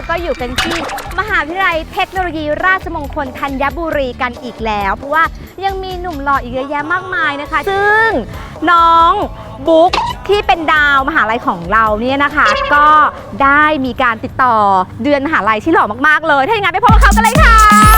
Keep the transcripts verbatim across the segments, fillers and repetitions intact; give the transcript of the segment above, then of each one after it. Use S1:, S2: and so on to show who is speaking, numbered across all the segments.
S1: ก็อยู่กันที่มหาวิทยาลัยเทคโนโลยีราชมงคลธัญบุรีกันอีกแล้วเพราะว่ายังมีหนุ่มหล่ออีกเยอะแยะมากมายนะคะซึ่งน้องบุ๊กที่เป็นดาวมหาลัยของเราเนี่ยนะคะก็ได้มีการติดต่อเดือนมหาลัยที่หล่อมากๆเลยถ้าอย่างนั้นไปพบกับเขากันเลยค่ะ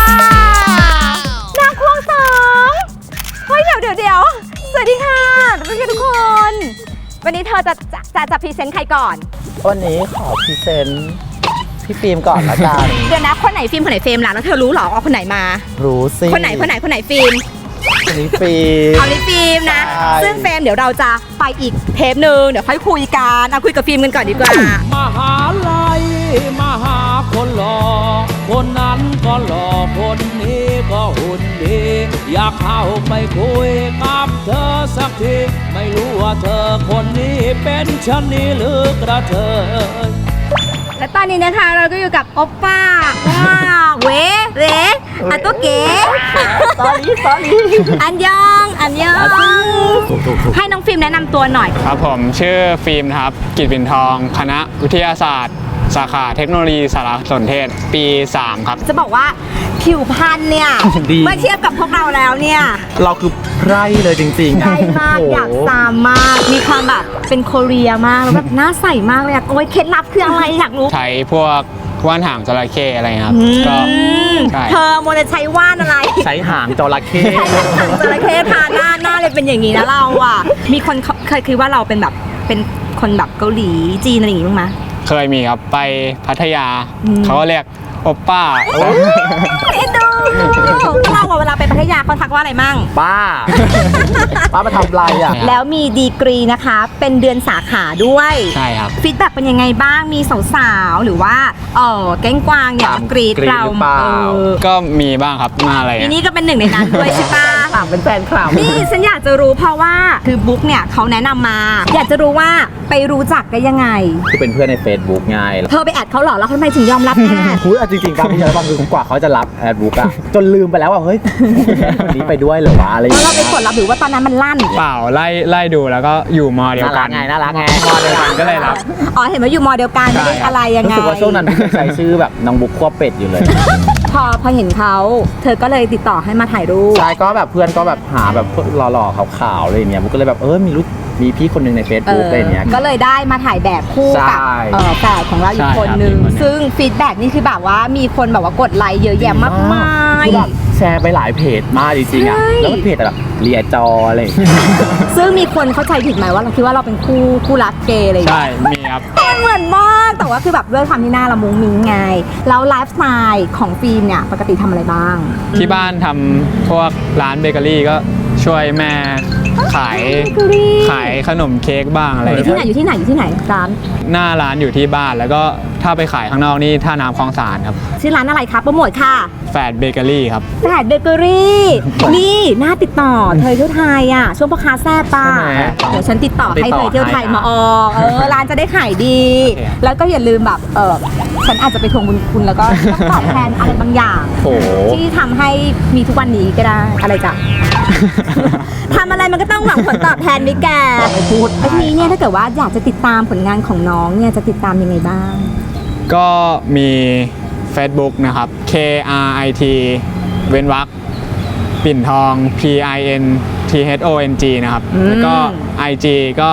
S1: นางควงสองเฮ้ยเดี๋ยวเดี๋ยวเดี๋ยวสวัสดีค่ะสวัสดีทุกคนวันนี้เธอจะจะจะจะพรีเซนต์ใครก่อน
S2: วันนี้ขอพรีเซนต์พี่ฟิล์มก่อนละกัน
S1: เดี๋ยวนะคนไหนฟิล์มคนไหนเฟรมล่ะแล้วเธอรู้หรอว่าคนไหนมา
S2: รู้สิ
S1: คนไหนคนไหนคนไหนฟิล์ม
S2: คนนี้ฟิล์ม
S1: เอานี้ฟิล์มนะซึ่งเฟรมเดี๋ยวเราจะไปอีกเทปหนึ่งเดี๋ยวค่อยคุยกันเอาคุยกับฟิล์มกันก่อนดีกว่าม
S3: หาลัยมหาคนหล่อคนนั้นก็หล่อคนนี้ก็หุ่นดีอยากเข้าไปคุยกับเธอสักทีไม่รู้ว่าเธอคนนี้เป็นชะนีหรือกระเทย
S1: และตอนนี้นะคะเราก็อยู่กับโอปป้าว้าวเวเวอันตัวเก๋
S2: สอรี่สอรี่
S1: อันยองอันยองให้น้องฟิล์มแนะนำตัวหน่อย
S4: ครับผมชื่อฟิล์มครับกิตปิ่นทองคณะวิทยาศาสตร์สาขาเทคโนโลยีสารสนเทศปีสามครับ
S1: จะบอกว่าผิวพรรณเนี่ยเมื่อเทียบกับพวกเราแล้วเนี่ย
S2: เราคือไพร่เลยจริงๆ
S1: ไพร่มากอยากตามมากมีความแบบเป็นโคเรียมากแล้วแบบหน้าใสมากเลยอะโอ้ยเคล็ดลับคืออะไรอยากรู้
S4: ใช้พวกว่านหางจระเข้อะไรครับก็
S1: เธอโมจะใช้ว่านอะไร
S2: ใช้หางจระเข้
S1: ใช้หางจระเข้ทาหน้าหน้าเลยเป็นอย่างนี้นะเราอ่ะมีคนเคยคิดว่าเราเป็นแบบเป็นคนแบบเกาหลีจีนอะไรอย่างงี้บ้างไหม
S4: เคยมีครับไปพัทยาเขาก็เรียกโอปป้า
S1: เอ็นดูเราเวลาไปพัทยาเขาทักว่าอะไรมั่ง
S2: ป้าป้ามาทำไรอ่ะ
S1: แล้วมีดีกรีนะคะเป็นเดือนสาขาด้วย
S4: ใช่ครับ
S1: ฟีดแบ็กเป็นยังไงบ้างมีสาวๆหรือว่าเออแก๊งกวางเนี่ยมากรีดเรา
S4: ก็มีบ้างครับมาอะไร
S1: ทีนี้ก็เป็นหนึ่งในนั้นด้วยใช่ปะ
S2: เป็นแฟนคลับ
S1: นี่ฉันอยากจะรู้เพราะว่าคือบุ๊กเนี่ยเขาแนะนำมาอยากจะรู้ว่าไปรู้จักได้ยังไง
S2: คือเป็นเพื่อนใน Facebook ไง
S1: เธอไปแอดเขาหรอแล้วทำไมถึงยอมรับแอด
S2: คุยจริงๆการที่จะฟังคือกว่าเขาจะรับแอดบุ๊กอะจนลืมไปแล้วว่าเฮ้ยคนนี้ไปด้วยหรือวะอะไรอย่างเงี้ย
S1: เราไปกดรับหรือว่าตอนนั้นมันลั่น
S4: เปล่าไล่ไล่ดูแล้วก็อยู่มอเดียวกัน
S2: ไงน่ารักไง
S4: มอเดียวกันก็เลยรับ
S1: อ๋อเห็นว่าอยู่มอเดียวกันไม่ได้อะไรยังไง
S2: รู้สึกว่าช่วงนั้นพี่ใช้ชื่อแบบน้องบุ๊กขั้วเป็ดอยู่เลย
S1: พอพอเห็นเขาเธอก็เลยติดต่อให้มาถ่ายรูป
S2: ใช่ก็แบบเพื่อนก็แบบหาแบบหล่อๆขาวๆอะไรอย่างเงี้ยบุ๊กก็เลยแบบเออมีรู้มีพี่คนหนึ่งใน Facebook อะไรอย่างเงี้ย
S1: ก็เลยได้มาถ่ายแบบคู่กับแฝดของเราอีกคนนึงซึ่งฟีดแบ็กนี่คือแบบว่ามีคนแบบว่ากดไลค์เยอะแยะมากมาย
S2: แชร์ไปหลายเพจมากจริงๆอ่ะแล้วเพจแบบเรียจออะไร
S1: ซึ่งมีคนเข้าใจผิดไหมว่าเราคิดว่าเราเป็นคู่คู่รักเกย์อะไรอย่าง
S4: เงี้ยใช่มีครับ
S1: เหมือนมากแต่ว่าคือแบบด้วยความที่หน้าเรามุ้งมิ้งไงแล้วไลฟ์สไตล์ของฟิล์มเนี่ยปกติทำอะไรบ้าง
S4: ที่บ้านทำพวกร้านเบเกอรี่ก็ช่วยแม่ขายขายขนมเค้กบ้างอะไร
S1: อยู่ที่ไหนอยู่ที่ไหนอยู่ที่ไหนร้าน
S4: หน้าร้านอยู่ที่บ้านแล้วก็ถ้าไปขายข้างนอกนี่ท่าน้ำคลองสานครับ
S1: ชื่อร้านอะไรครับโปรโมทค่ะ
S4: แฟดเบเกอรี่ครับ
S1: แฟดเบเกอรี่นี่น่าติดต่อเธอเที่ยวไทยอ่ะช่วงพ่อค้าแซ่บป่ะเดี๋ยวฉันติดต่อให้เธอเที่ยวไทยมาออกเออร้านจะได้ขายดีแล้วก็อย่าลืมแบบเออฉันอาจจะไปทวงบุญคุณแล้วก็ต้องตอบแทนอะไรบางอย่างที่ทำให้มีทุกวันนี้ก็ได้อะไรจ้ะทำอะไรมันก็ต้องหวังผลตอบแทนดิแก
S2: พูด
S1: ทีนี้เนี่ยถ้าเกิดว่าอยากจะติดตามผลงานของน้องเนี่ยจะติดตามยังไงบ้าง
S4: ก็มี Facebook นะครับ K R I T เว้นวรรคปิ่นทอง P I N T H O N G นะครับแล้วก็ ไอ จี ก็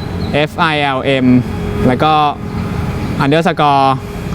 S4: F I L M แล้วก็ underscore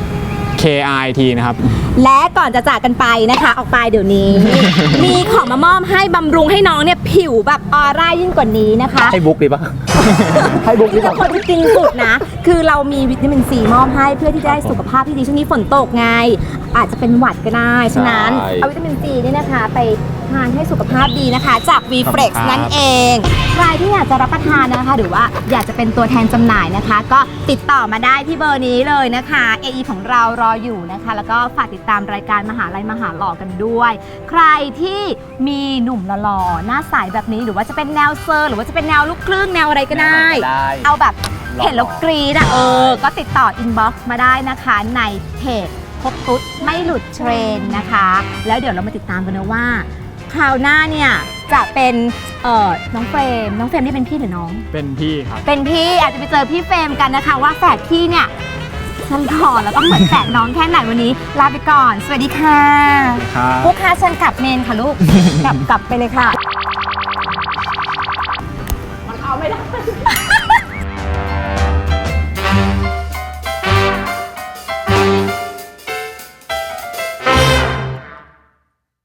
S4: K R I T นะครับ
S1: และก่อนจะจากกันไปนะคะออกไปเดี๋ยวนี้ มีของมามอบให้บำรุงให้น้องเนี่ยผิวแบบออร่ายิ่งกว่านี้นะคะ
S2: ให้บุ๊กดีปะให้บุ๊กดีปะ
S1: คนที่จริงสุดนะคือเรามีวิตามินซีมอบให้เพื่อที่จะได้สุขภาพที่ดีช่วงนี้ฝนตกไงอาจจะเป็นหวัดก็ได้ฉะนั้นเอาวิตามินซีนี่นะคะไปทานให้สุขภาพดีนะคะจาก วี เฟล็กซ์ นั่นเองใครที่อยากจะรับประทานนะคะหรือว่าอยากจะเป็นตัวแทนจำหน่ายนะคะก็ติดต่อมาได้ที่เบอร์นี้เลยนะคะ เอ อี ของเรารออยู่นะคะแล้วก็ฝากติดตามรายการมหาลัยมหาหล่อกันด้วยใครที่มีหนุ่มหล่อๆหน้าใสแบบนี้หรือว่าจะเป็นแนวเซอร์หรือว่าจะเป็นแนวลูกครึ่งแนวอะไรก็ได้เอาแบบเห็นแล้วกรี๊ดอ่ะเออก็ติดต่ออินบ็อกซ์มาได้นะคะในเพจพบตุ๊ดไม่หลุดเทรนนะคะแล้วเดี๋ยวเรามาติดตามกันนะว่าคราวหน้าเนี่ยจะเป็นเอ่อน้องเฟรมน้องเฟรมนี่เป็นพี่หรือน้อง
S4: เป็นพี่ครับ
S1: เป็นพี่อาจจะไปเจอพี่เฟรมกันนะคะว่าแฝดพี่เนี่ยสฉันก่อนแล้วก็เหมือนแตกน้องแค่ไหนวันนี้ลาไปก่อน สวัสดีค่ะ
S4: ครับ
S1: ลูกค้าเชิญกลับเมนค่ะลูก กลับกลับไปเลยค่ะ มันเอาไม่ได้